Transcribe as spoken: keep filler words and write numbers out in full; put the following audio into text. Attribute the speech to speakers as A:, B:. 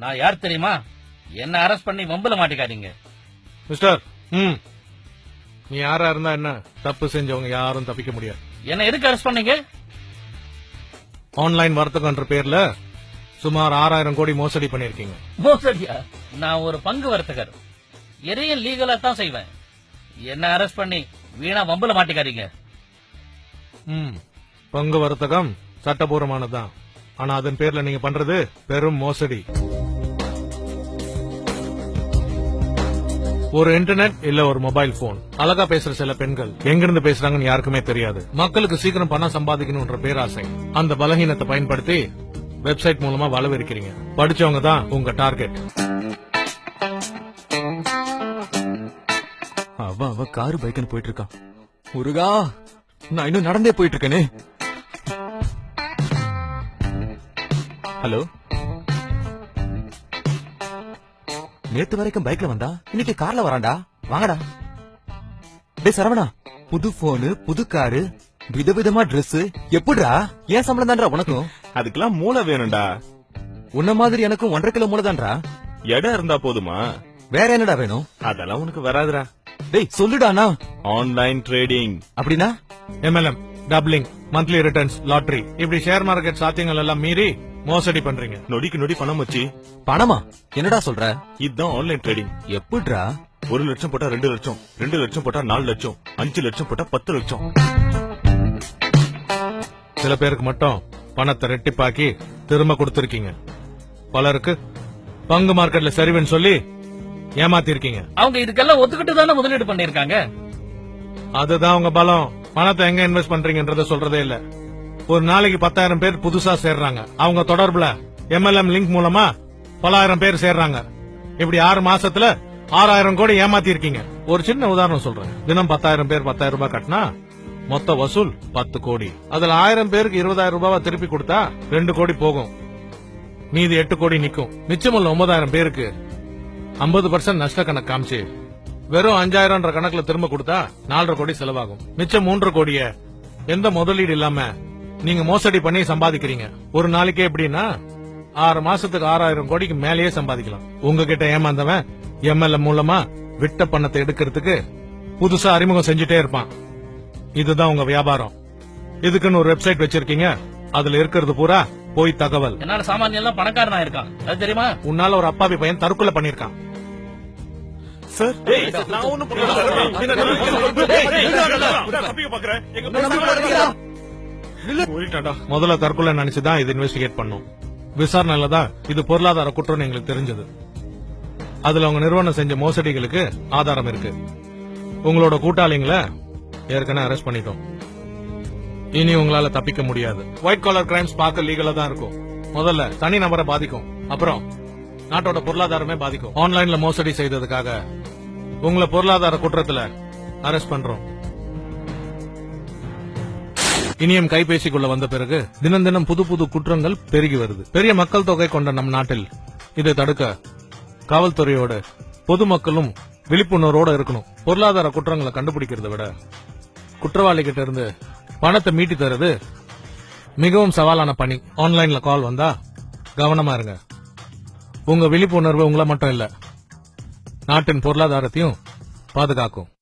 A: நான் யார் தெரியுமா? என்ன அரெஸ்ட் பண்ணி வம்புல மாட்டிக்காதீங்க.
B: மிஸ்டர் ம் நீ யாரா இருந்தா என்ன, தப்பு செஞ்சவங்க யாரும் தப்பிக்க முடியாது.
A: என்ன எதுக்கு அரெஸ்ட் பண்ணீங்க?
B: ஆன்லைன் வர்த்தகம்ன்ற பேர்ல சுமார் ஆறாயிரம் கோடி மோசடி பண்ணிருக்கீங்க.
A: மோசடியா? நான் ஒரு பங்கு வர்த்தகர், எதையும் லீகலா தான் செய்வேன். என்ன அரெஸ்ட் பண்ணி வீணா வம்புல மாட்டிக்காதீங்க.
B: ம் பங்கு வர்த்தகம் சட்டபூர்வமானதுதான், ஆனா அதன் பேர்ல நீங்க பண்றது பெரும் மோசடி. ஒரு இன்டர்நெட் இல்ல ஒரு மொபைல் போன், அழகா பேசுற சில பெண்கள் எங்கிருந்து பேசுறாங்கன்னு யாருக்குமே தெரியாது. மக்களுக்கு சீக்கிரம் பணம் சம்பாதிக்கணும்ன்ற பேராசை, அந்த பலகீனத்தை பயன்படுத்தி வெப்சைட் மூலமா வளவிருக்கிறீங்க. படிச்சவங்க தான் உங்க டார்கெட்.
C: அவ அவ காரு பைக்குன்னு போயிட்டு இருக்கான். முருகா, நான் இன்னும் நடந்தே போயிட்டு இருக்கேனே. ஹலோ, நேத்து வரைக்கும் பைக்ல வந்தா இன்னைக்கு கார்ல வரான்டா. வாங்கடா. டேய் சரவணா, புது போனு, புது காரு, விதவிதமா டிரெஸ், எப்படிடா? ஏன் சம்பளம் தான்டா உனக்கும்?
D: அதுக்கெல்லாம் மூளை வேணும்டா.
C: உன்ன மாதிரி எனக்கும் ஒன்றரை கிலோ மூளை தான்டா.
D: இடம் இருந்தா போதுமா?
C: வேற என்னடா வேணும்?
D: அதெல்லாம் உனக்கு வராதுடா.
C: டேய் சொல்லுடானா.
D: ஆன்லைன் ட்ரேடிங்
C: அப்படின்னா
B: MLM, doubling, monthly returns, lottery, இப்படி ஷேர் மார்க்கெட் சாத்தியங்கள் எல்லாம் மீறி மோசடி பண்றீங்க.
D: நொடிக்கு நொடி பணம் வச்சு.
C: பணமா? என்னடா சொல்ற?
D: இதுதான் ஆன்லைன் ட்ரேடிங்.
C: எப்படிடா?
D: ஒரு லட்சம் போட்டா ரெண்டு லட்சம், ரெண்டு லட்சம் போட்டா நாலு லட்சம், அஞ்சு லட்சம் போட்டா பத்து லட்சம்.
B: சில பேருக்கு மட்டும் பணத்தை ரெட்டிப்பாக்கி திரும்ப கொடுத்திருக்கீங்க. பலருக்கு பங்கு மார்க்கெட்ல சரிவுன்னு சொல்லி ஏமாத்திருக்கீங்க.
A: அவங்க இதுக்கெல்லாம் ஒத்துக்கிட்டு தானே முதலீடு பண்ணிருக்காங்க.
B: அதுதான் உங்க பலம். பணத்தை எங்க இன்வெஸ்ட் பண்றீங்கன்றத சொல்றதே இல்ல. ஒரு நாளைக்கு பத்தாயிரம் பேர் புதுசா சேர்றாங்க. அவங்க தொடர்புல எம்எல்எம் லிங்க் மூலமா பலாயிரம் பேர் சேர்றாங்க. இப்படி ஆறு மாசத்துல ஆறாயிரம் கோடி ஏமாத்தி இருக்கீங்க. ஒரு சின்ன உதாரணம் சொல்றேன். தினம் பத்தாயிரம் பேர் பத்தாயிரம் ரூபாய் கட்டினா மொத்த வசூல் பத்து கோடி. அதுல ஆயிரம் பேருக்கு இருபதாயிரம் ரூபாய் திருப்பி கொடுத்தா ரெண்டு கோடி போகும். மீதி எட்டு கோடி நிக்கும். மிச்சமுள்ள ஒன்பதாயிரம் பேருக்கு ஐம்பது பர்சன்ட் நஷ்ட கணக்கு காமிச்சு வெறும் அஞ்சாயிரம் கணக்குல திரும்ப கொடுத்தா நாலரை கோடி செலவாகும். மிச்சம் மூன்று கோடிய எந்த முதலீடு இல்லாம நீங்க மோசடி பண்ணி சம்பாதிக்கிறீங்க. ஒரு நாளைக்கே எப்படின்னா ஆறு மாசத்துக்கு ஆறாயிரம் கோடிக்கு மேலேயே சம்பாதிக்கலாம். உங்ககிட்ட ஏமாந்தவன் எம்எல்ஏ மூலமா விட்ட பணத்தை எடுக்கிறதுக்கு புதுசா அறிமுகம் செஞ்சுட்டே இருப்பான். இதுதான் உங்க வியாபாரம். இதுக்குன்னு ஒரு வெப்சைட் வச்சிருக்கீங்க. அதுல இருக்கிறது பூரா போய் தகவல்.
A: என்னால சாமானியம் எல்லாம் பணக்காரனா இருக்கான், அது தெரியுமா?
B: உன்னால ஒரு அப்பாவி பையன் தற்கொலை பண்ணிருக்கான்.
D: சார், நான் ஒண்ணும்
B: முதல்ல தற்கொலை நினைச்சுதான் இது இன்வெஸ்டிகேட் பண்ணும். விசாரணையில தான் இது பொருளாதார குற்றம் எங்களுக்கு தெரிஞ்சது. அதுல உங்க நிறுவனம் செஞ்ச மோசடிகளுக்கு ஆதாரம் இருக்கு. உங்களோட கூட்டாளிங்களை ஏற்கனவே அரெஸ்ட் பண்ணிட்டோம். இனி உங்களால தப்பிக்க முடியாது. ஒயிட் காலர் கிரைம்ஸ் பார்க்க லீகலா தான் இருக்கும். முதல்ல தனி நபரை பாதிக்கும், அப்புறம் நாட்டோட பொருளாதாரமே பாதிக்கும். ஆன்லைன்ல மோசடி செய்ததுக்காக உங்களை பொருளாதார குற்றத்துல அரெஸ்ட் பண்றோம். இனியும் கைபேசிக்குள்ள வந்த பிறகு தினம் தினம் புது புது குற்றங்கள் பெருகி வருது. பெரிய மக்கள் தொகை கொண்ட நம் நாட்டில் இதை தடுக்க காவல்துறையோட பொதுமக்களும் விழிப்புணர்வோட இருக்கணும். பொருளாதார குற்றங்களை கண்டுபிடிக்கிறத விட குற்றவாளி கிட்ட இருந்து பணத்தை மீட்டி தருது மிகவும் சவாலான பணி. ஆன்லைன்ல கால் வந்தா கவனமா இருங்க. உங்க விழிப்புணர்வு உங்களை மட்டும் இல்ல, நாட்டின் பொருளாதாரத்தையும் பாதுகாக்கும்.